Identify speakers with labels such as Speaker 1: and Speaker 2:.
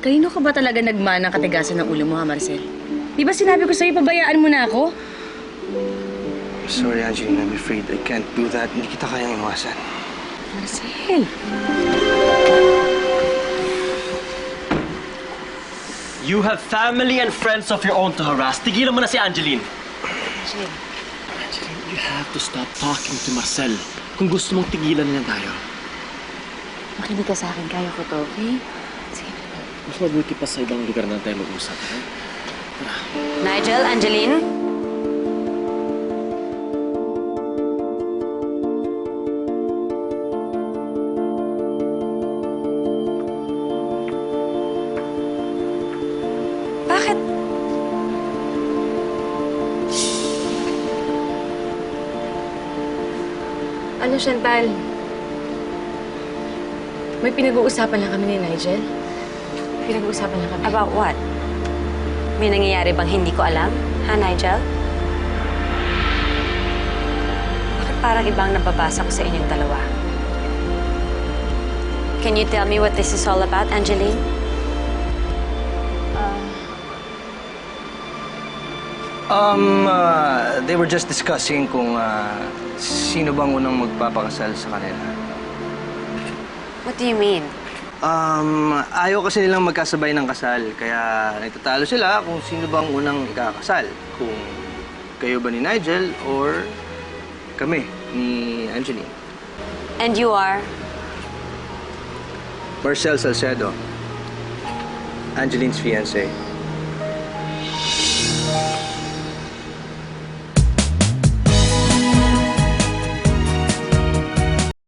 Speaker 1: Kanino ka ba talaga nagmanang katigasan ng ulo mo, ha, Marcel? Di ba sinabi ko sa'yo, pabayaan mo na ako?
Speaker 2: Sorry, Angeline. I'm afraid I can't do that. Hindi kita kayang iwasan.
Speaker 1: Marcel!
Speaker 3: You have family and friends of your own to harass. Tigilan mo na si Angeline.
Speaker 1: Marcel.
Speaker 3: Angeline, you have to stop talking to Marcel. Kung gusto mong tigilan niya tayo.
Speaker 1: Makinig ka sa akin, kaya ko to, okay? Sige.
Speaker 3: Mas mabuti pa sa ibang lugar na tayo mag-usap. Ha?
Speaker 4: Nigel, Angeline? Bakit?
Speaker 1: Ano, Chantal? May pinag-uusapan lang kami ni Nigel. Pinag-uusapan lang kami.
Speaker 4: About what? May nangyayari bang hindi ko alam? Ha, Nigel? Bakit parang ibang nababasa ko sa inyong dalawa? Can you tell me what this is all about, Angeline?
Speaker 2: They were just discussing kung sino bang unang magpapakasal sa kanila.
Speaker 4: What do you mean?
Speaker 2: Ayaw kasi nilang magkasabay ng kasal, kaya nagtatalo sila kung sino bang unang ikakasal. Kung kayo ba ni Nigel or kami, ni Angeline.
Speaker 4: And you are?
Speaker 2: Marcel Salcedo, Angeline's fiancé.